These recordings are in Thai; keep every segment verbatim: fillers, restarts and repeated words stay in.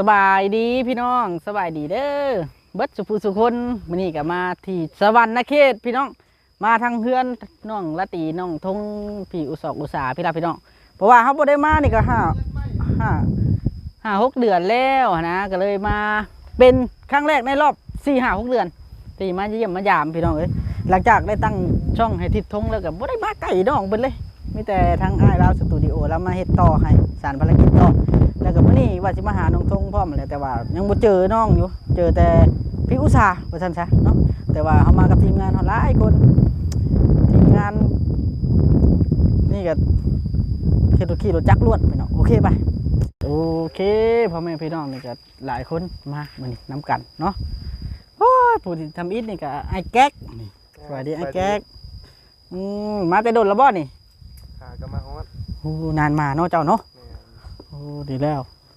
บายดีพี่น้องสบายดีเด้อเบิดสุภูสุคนมื้อนี้ก็มาที่สวรรค์เขตพี่น้องมาทางเพื่อนน้องละตีน้องทงพี่อุศกอุสาพี่รับพี่น้องเพราะว่าเขาบ่ได้มานี่ก็ห้าห้าห้าหกเดือนแล้วนะก็เลยมาเป็นครั้งแรกในรอบสี่ห้าหกเดือนที่มาเยี่ยมมายามพี่น้องเอ้ยหลังจากได้ตั้งช่องให้ทิศทงแล้วก็บ่ได้มาไกลน้องเพิ่นเลยมีแต่ทางอ้ายเราสตูดิโอแล้วมาเฮ็ดต่อให้สารภารกิจต่อแล้วก็มื้อนี้ว่าสิมาหาน้องทงพร้อมแหละแต่ว่ายังบ่เจอน้องอยู่เจอแต่พี่อุตสาว่าซั่นซะเนาะแต่ว่าเฮามากับทีมงานเฮาหลายคนทีมงานนี่ก็ขี่รถขี่รถจักรลวดพี่น้องโอเคไปโอเคพ่อแม่พี่น้องนี่ก็หลายคนมามื้อนี้นำกันเนาะโอ้ยผู้ที่ทำอิฐนี่ก็ไอ้แก๊กนี่สวัสดีไอ้แก๊กอืมมาแต่โดนแล้วบ่นี่หาก็มาฮอดโอ้นานมาเนาะเจ้าเนาะโอ้ดีแล้ว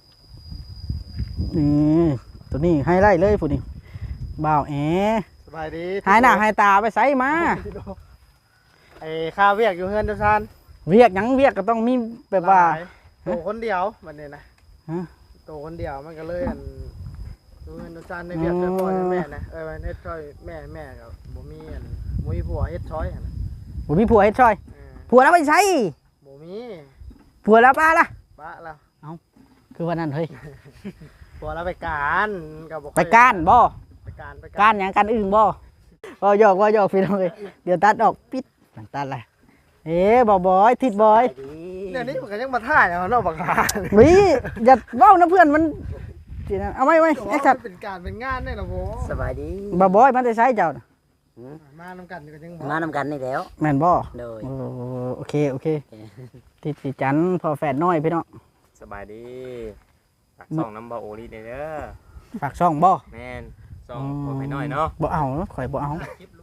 นี่ตัวนี้ไฮไลท์เลยผู้นี้บ่าวแอสบายดีหายหน้าหายตาไปไสมาไอ้ข้าเวียกอยู่เฮือนเจ้าซานเวียกหยังเวียกก็ต้องมีแบบว่าโตคนเดียวมันนี่นะโตคนเดียวมันก็เลยอันอยู่เฮือนเจ้าซานในเวียกเจ้าพ่อแม่นะเอ้ยมันเฮ็ดช่วยแม่แม่ก็บ่มีอันบ่มีผัวเฮ็ดช่อยหั่นน่ะบ่มีผัวเฮ็ดช่อยผัวแล้วไปไสบ่มีผัวแล้วป้าล่ะป้าแล้วเอ้าคือว่านั่นเฮ้ยผัวแล้วไปการก็บ่ไปการบ่ไปการไปการหยังการอื่นบ่บ่หยอกบ่หยอกพี่น้องเอ้ยเดี๋ยวตัดออกปิดตัดอะไรเอ๊ะบ่บอยทิดบอยเดี๋ยวนี้มันก็ยังมาถ่ายเอาเนาะบักหาวิอย่าเว้านะเพื่อนมันสินะเอาไว้ไว้ไอ้สัตว์เป็นการเป็นงานได้ล่ะบ่สบายดีบ่บอยมันได้ใช้เจ้าน่ะมานำกันก็ยังมานำกันนี่แล้วแม่นบ่โดยโอเคโอเคติดสิจันพอแฝดน้อยพี่น้องสบายดีฝากซ่องน้ำบ่โอลีเด้อฝากช่องบ่แม่นซ่องพอไปน้อยเนาะบ่เอาข่อยบ่เอา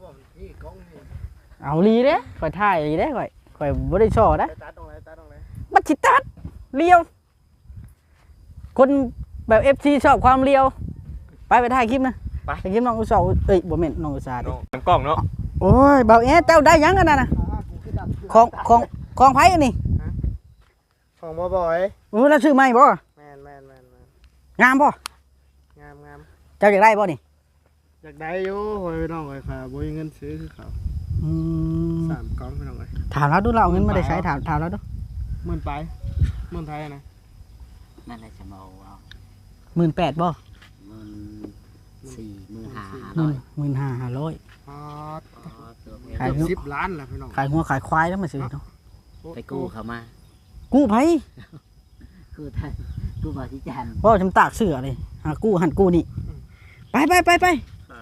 เอาลีเด้ข่อยถ่ายลีเด้ข่อยข่อยบ่ได้ช่อนะตัดตรงไหนตัดตรงไหนบัดสิตัดเลียวคนแบบ เอฟ ซี ชอบความเลียวไปไปถ่ายคลิปนะไปถ่ายคลิปน้องอุตสาหเอ้ยบ่แม่นน้องอุตสาหดิน้ำกล้องเนาะโอ้ยเบาแอเจ้าได้ยังกันน่ะนะของของของไผอันนี้ของบ่บ่อยโอ้แล้วซื้อใหม่บ่แม่นแม่นแม่นงามบ่งามงามเจ้าอยากได้บ่นี่อยากได้อยู่โอ้ยน้องเอ้ยค่ะบ่มีเงินซื้อคือเขาอืมสามกล่องพี่น้องเอ้ยถามแล้วดูเราเอาเงินมาได้ใช้ถามถามแล้วดูหมื่นไปหมื่นไทยนะนั่นแหละจะมาเอาหมื่นแปดบ่หมื่นสี่หมื่นห้าห้าร้อยหมื่นห้าห้าร้อยอ๋อขายสิบล้านล่ะพี่น้องขายหัวขายควายแล้วมาซื้อเนาะไปกู้เขามากู้ไผกู้ท่านกู้บาทิจันบ่จำตากเสือเลยหากู้หันกู้นี่ไปไปไปไป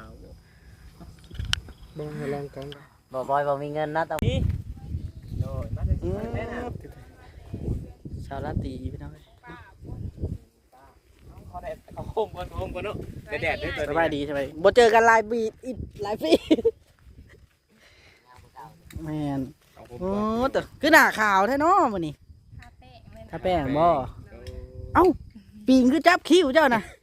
บ่ให้ลองกันบ่บอยบ่มีเงินนะตอนนี้โดยมาได้แม่น่ะชาวลาตีพี่น้องเขาได้เขาโฮมก่อนโฮมก่อนเนาะแดดๆด้วยตัวสบายดีสบายบ่เจอกันหลายปีอีกหลายปีแม่นโอ้แต่คือหน้าขาวแท้เนาะมื้อนี้ทาแป้งบ่เอ้าปีงคือจับคิ้วเจ้าน่ะ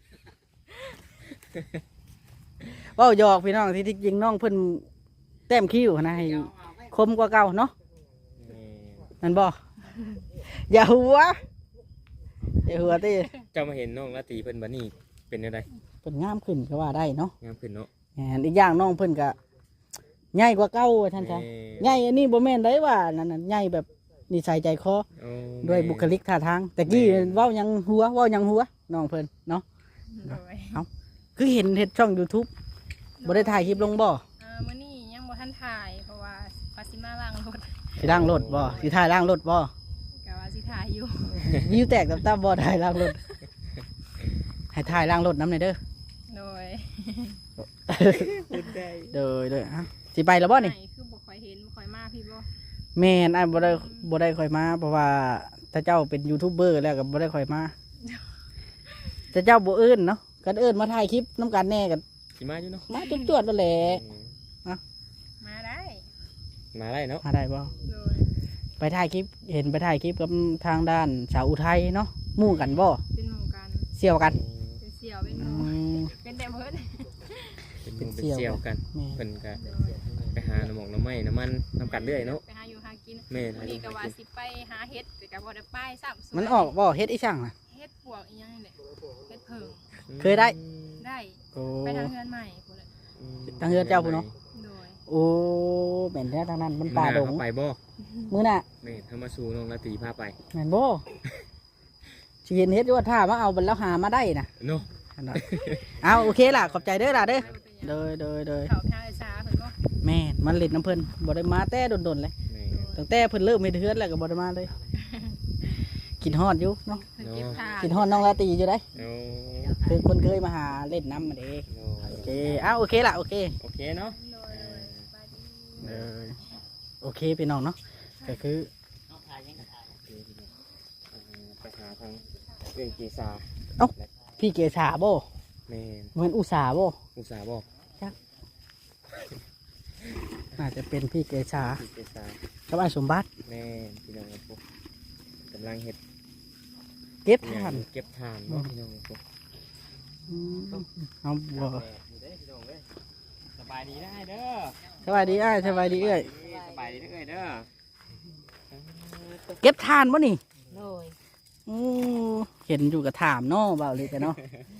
เว้าหยอกพี่น้องที่จริงน้องเพิ่นแต้มคิ้วนะให้คมกว่าเก่าเนาะนั่นบ่อย่าหัวอย่าหัวติเจ้ามาเห็นน้องละตีเพิ่นบัดนี้เป็นจังได๋เพิ่นงามขึ้นก็ว่าได้เนาะงามขึ้นเนาะแหมอีกอย่างน้องเพิ่นก็ใหญ่กว่าเก่าท่านซะใหญ่อันนี้บ่แม่นได้ว่านั่นน่ะใหญ่แบบนิสัยใจคอด้วยบุคลิกท่าทางแต่กี้เว้ายังหัวเว้ายังหัวน้องเพิ่นเนาะเอ้าคือเห็นเฮ็ดช่อง YouTube บ่ได้ถ่ายคลิปลงบ่เออมื้อนี้ยังบ่ทันถ่ายเพราะว่าว่าสิมาล้างรถสิล้างรถบ่สิถ่ายล้างรถบ่ก็ว่าสิถ่ายอยู่วิวแตกตับๆบ่ถ่ายล้างรถให้ถ่ายล้างรถนำหน่อยเด้อโดยโดยโดยฮะสิไปแล้วบ่นี่คือบ่ค่อยเห็นบ่ค่อยมาพี่บ่แม่นอ้ายบ่ได้บ่ได้ค่อยมาเพราะว่าถ้าเจ้าเป็นยูทูบเบอร์แล้วก็บ่ได้ค่อยมาแต่เจ้าบ่เอิ้นเนาะกันเอิ้นมาถ่ายคลิปนำกันแน่กันสิมาอยู่เนาะมาจวดๆนั่นแหละมาได้มาได้เนาะมาได้บ่ไปถ่ายคลิปเห็นไปถ่ายคลิปกับทางด้านสาวอุทัยเนาะหมู่กันบ่เป็นหมู่กันเสี่ยวกันเป็นเสี่ยวเป็นหมู่เป็นแต่เพิ่นเป็นเสี่ยวกันเพิ่นก็ไปหาน้ำหมอกน้ำไม้น้ำมันน้ำกันเรื่อยเนาะไปหาอยู่หากินแม่นี่ก็ว่าสิไปหาเฮ็ดแต่ก็บ่ได้ไปซ้ำมันออกบ่เฮ็ดอีช่างน่ะเฮ็ดปวกอีหยังนี่แหละเฮ็ดเพิงเคยได้ได้โอ้ไปทางเฮือนใหม่พุ่นแหละทางเฮือนเจ้าพุ่นเนาะโดยโอ้แม่นแท้ทางนั้นมันป่าดงมื้อหน้เขไปบ่มื้อน่ะแม่นเฮามาสู่น้องราตรีพาไปแม่นบ่สิเห็นเฮ็ดอยู่ว่าถ้ามาเอาบัดแล้วหามาได้น่ะเนาะอันนั้นเอาโอเคล่ะขอบใจเด้อล่ะเด้อเด้อเด้อเด้อเขาทางไอ้สาเพิ่นบ่แม่นมันเล่นน้ำเพิ่นบ่ได้มาแต่ดนๆเลยแม่นตั้งแต่เพิ่นเริ่มเฮ็ดเฮือนแล้วก็บ่ได้มาเลยกินฮอดอยู่เนาะเพิ่นเก็บทานกินฮอดน้องลาตรีอยู่ได้เอาคือคนเคยมาหาเล่นน้ำมาเด้โอโอเคเอาโอเคล่ะโอเคโอเคเนาะโดยโดยสบายดีเออโอเคพี่น้องเนาะก็คือไปหาทางเอื้อยเกษาพี่เกษาบ่แม่นเหมือนอุตสาบ่อุตสาห์บอกน่าจะเป็นพี่เกษาพี่เกษากับไอ้สมบัติแม่นพี่น้องครับผมกำลังเฮ็ดเก็บทานเก็บทานบ่พี่น้องครับผมอืมเอาบ่สบายดีได้เด้อสบายดีอ้ายสบายดีเอ้ยสบายดีเด้อเอ้ยเด้อเก็บทานบ่นี่โดยอือเห็นอยู่กับถามเนาะเบาเลยแต่เนาะ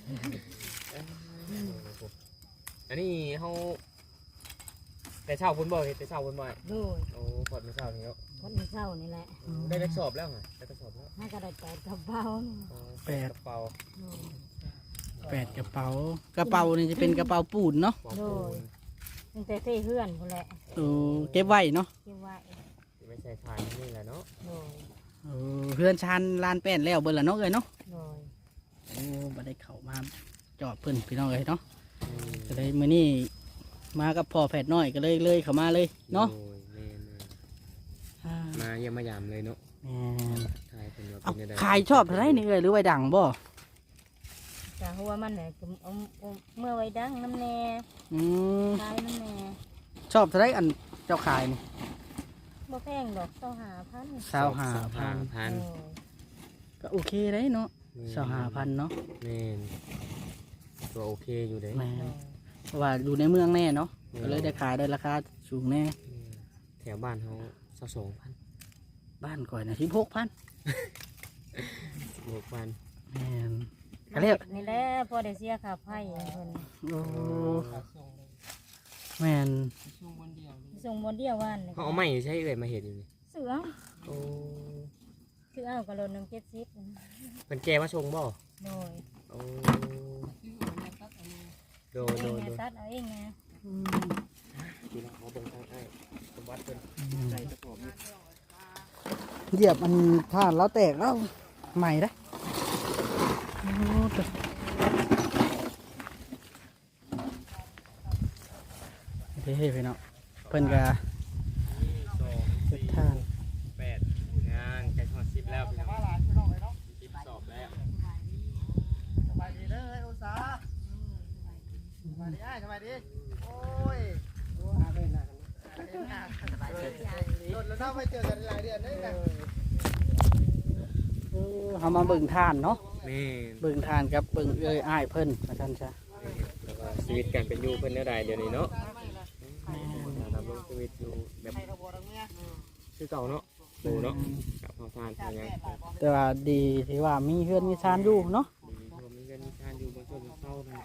อันนี้เฮาแต่เช้าพุ่นบ่เฮ็ดแต่เช้าพุ่นบ่โดยโอ้พอดมื้อเช้านี้แล้วคนเศร้านี่แหละได้ได้สอบแล้วเหรอได้ทดสอบแล้วถ้ากระดาษแปดกระเป๋าอ๋อแปดกระเป๋าแปดกระเป๋ากระเป๋านี่จะเป็นกระเป๋าปูนเนาะปองปูนตั้งแต่ที่เพื่อนคนแหละโอ้เก็บไว้เนาะที่ว่าไม่ใช่ทานนี่แหละเนาะโดยเออเพื่อนชานลานแป้นแล้วเบิ่นละเนาะเอ้ยเนาะโดยโอ้บ่ได้เข้ามาจอดเพิ่นพี่น้องเอ้ยเนาะอืมก็เลยมื้อนี้มากับพ่อแฝดน้อยก็เลยเลยเข้ามาเลยเนาะโอ้ยแม่นอ่าๆมาเยี่ยมมายามเลยเนาะแม่นทายเป็นว่าเอาเป็นยังไงขายชอบเท่าไหรนี่เอ้ยหรือไว้ดังบ่แต่หัวมันเนี่ยเอาเอาเมื่อไว้ดังน้ำแน่อืมคลายน้ำแน่ชอบเท่าไหรอันเจ้าขายนี่บ่แพงดอกเจ้าหาพันสาวหาสาวพัหาน พันโดยก็โอเคเลยเนาะสาวหาพันเนาะแม่นตัวโอเคอยู่เด้แม่นเพราะว่าอยู่ในเมืองแน่เนาะก็เลยได้ขายได้ราคาสูงแน่อืมแถวบ้านเขาสักสองพันบ้านก่อยนะสิบหกพันหกพันแม่นก็เรียกนี่แหละพอได้เสียค่าไฟเพิ่นโอ้แม่นส่งบนเดียววันเขาเอาไม้ใช้เอ่ยมาเห็ดอยู่นี่เสือโอ้คือเอากระโดดหนึ่งเจ็ดสิบเป็นแกมาชงบ่โดยโอ้โดยโดเองยไงโดยตัดเอาเองไงทีละเขาเบิ่งทางไอ้สมบัติเป็นใจกระสอบนี่เหยียบมันท่านแล้วแตกแล้วใหม่ได้โอ้ตะเฮ้ยพี่น้องเพิ่นก็สองสี่ท่านแปดงานใกล้ทอดสิบแล้วพี่น้องสิบสอบแล้วสบายดีเด้อเฮ้ยอุตสาห์สบายดีอ้ายสบายดีโอ้ยดูหาเพิ่นน่ะเห็นหน้าสบายดีโดนแล้วเนาะไม่เจอกันหลายเดือนเลยนะเออเขามาเบิ่งท่านเนาะนี่เบิ่งท่านกับเบิ่งเอ้ยอ้ายเพิ่นมาท่านจ้ะแล้วก็ชีวิตการเป็นอยู่เพิ่นเท่าใดเดี๋ยวนี้เนาะดำรงชีวิตอยู่แบบคือเก่าเนาะดูเนาะกับพอทานพอยังแต่ว่าดีที่ว่ามีเพื่อนมีชานอยู่เนาะดีเพราะมีเงินมีทานอยู่บนต้นเศร้านะ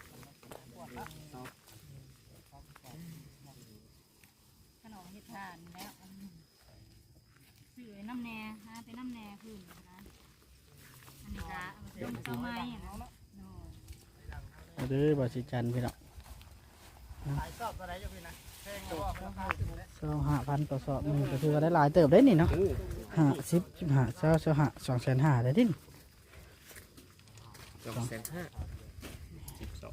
ขนมเฮ็ดทานแล้วซื้อน้ำแน่ฮะเป็นน้ำแน่ขึ้นนะอันนี้ก็เอาไปต้มไม้นะโดยเอาเด้อบาสิจันพี่น้องหลายสอบอะไรอยู่พี่นะเพลงก็ราคาถึงแล้วเศร้าห้าพันต่อสอบหนึ่งก็ถือว่าได้หลายเติบได้นี่เนาะอู้ห้าสิบสิบห้าเศร้าเศร้าห้าสองแสนห้าได้ดิสองแสนห้าสิบสอง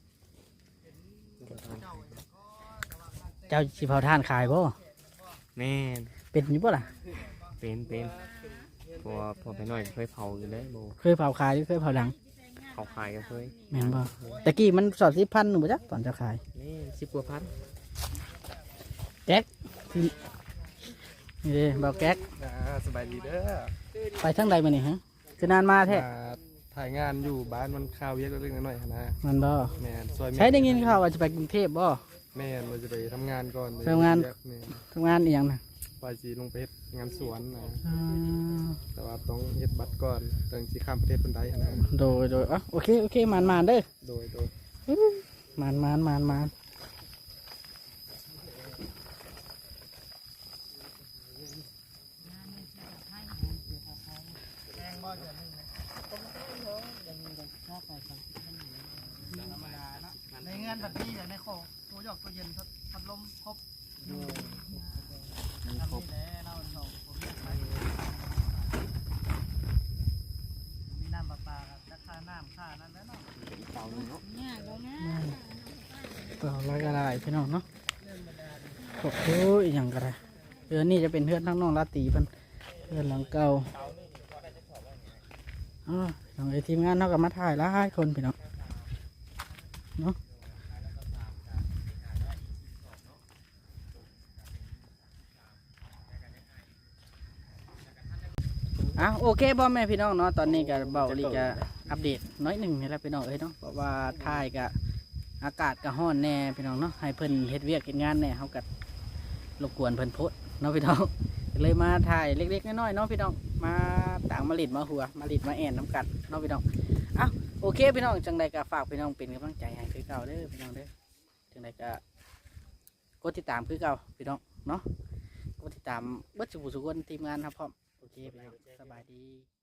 เจ้าสิเผาท่านขายบ่แม่นเป็นอยู่บ่ล่ะเป็นเป็นพอพอไปหน่อยเคยเผาอยู่เลยโบเคยเผาขายหรือเคยเผาดังเผาขายก็เคยแม่นบ่ตะกี้มันสอดสิบพันหนูบ่จ๊ะตอนเจะขายนี่สิบกว่าพันแก๊กที่นี่เด้เบาแก๊กอ่าสบายดีเด้อไปทั้งใดมานี่ฮะคือนานมาแท้มาถ่ายงานอยู่บ้านมันข้าวเยอะเล็กๆน้อยๆหั้นนะมันบ่แม่นซอยแม่ใช้ได้ยินข่าวว่าจะไปกรุงเทพบ่แม่นเราจะไปทำงานก่อนทำงานแม่นทำงานอีหยังน่ะเว่าสิลงไปเฮ็ดงานสวนนะอืมแต่ว่าต้องเฮ็ดบัตรก่อนถึงสิข้ามประเทศเพิ่นได้หั้นนะโดยโดยอ่ะโอเคโอเคมานมานเด้อโดยโดยมานมานมานมานแรงบ่เดือนหนึงนะธรรมดาเนาะในเงื่อนบัดนี้อย่างในโคตัวหยอกตัวเย็นพัดลมครบทำนี่แหละเราสองผมอยากไปมีน้ำประปากับราคาน้ำค่านั้นแล้วเนาะเนี่ยเดี๋ยวนะเปล่าร้อยกระไรพี่น้องเนาะโอ้โหอหย่างกระไรเดือนนี้จะเป็นเพื่อนทั้งน้องลาตีเพิ่นเพื่อนหลังเก่าอ๋อพี่น้องไอทีมงานเขากับมาถ่ายหลายคนพี่น้องเนาะอ่ะโอเคบอแม่พี่น้องเนาะตอนนี้ก็เบาลีก็อัปเดตน้อยหนึ่งนี่แหละพี่น้องเอ้ยเนาะเพราะว่าถ่ายก็อากาศก็ร้อนแน่พี่น้องเนาะให้เพิ่นเฮ็ดเวียกเฮ็ดงานแน่เขาก็รบกวนเพิ่นโพดเนาะพี่น้อง เลยมาถ่ายเล็กๆน้อยๆเนาะพี่น้องมาต่างมาลิดมาหัวมาลิดมาแอนน้ำกันเนาะพี่น้องเอ้าโอเคพี่น้องจังใดก็ฝากพี่น้องเป็นกำลังใจให้คือเก่าเด้อพี่น้องเด้อจังใดก็กดติดตามคือเก่าพี่น้องเนาะกดติดตามเบิดสุขสุขคนทีมงานครับพร้อมโอเคพี่น้องสบายดี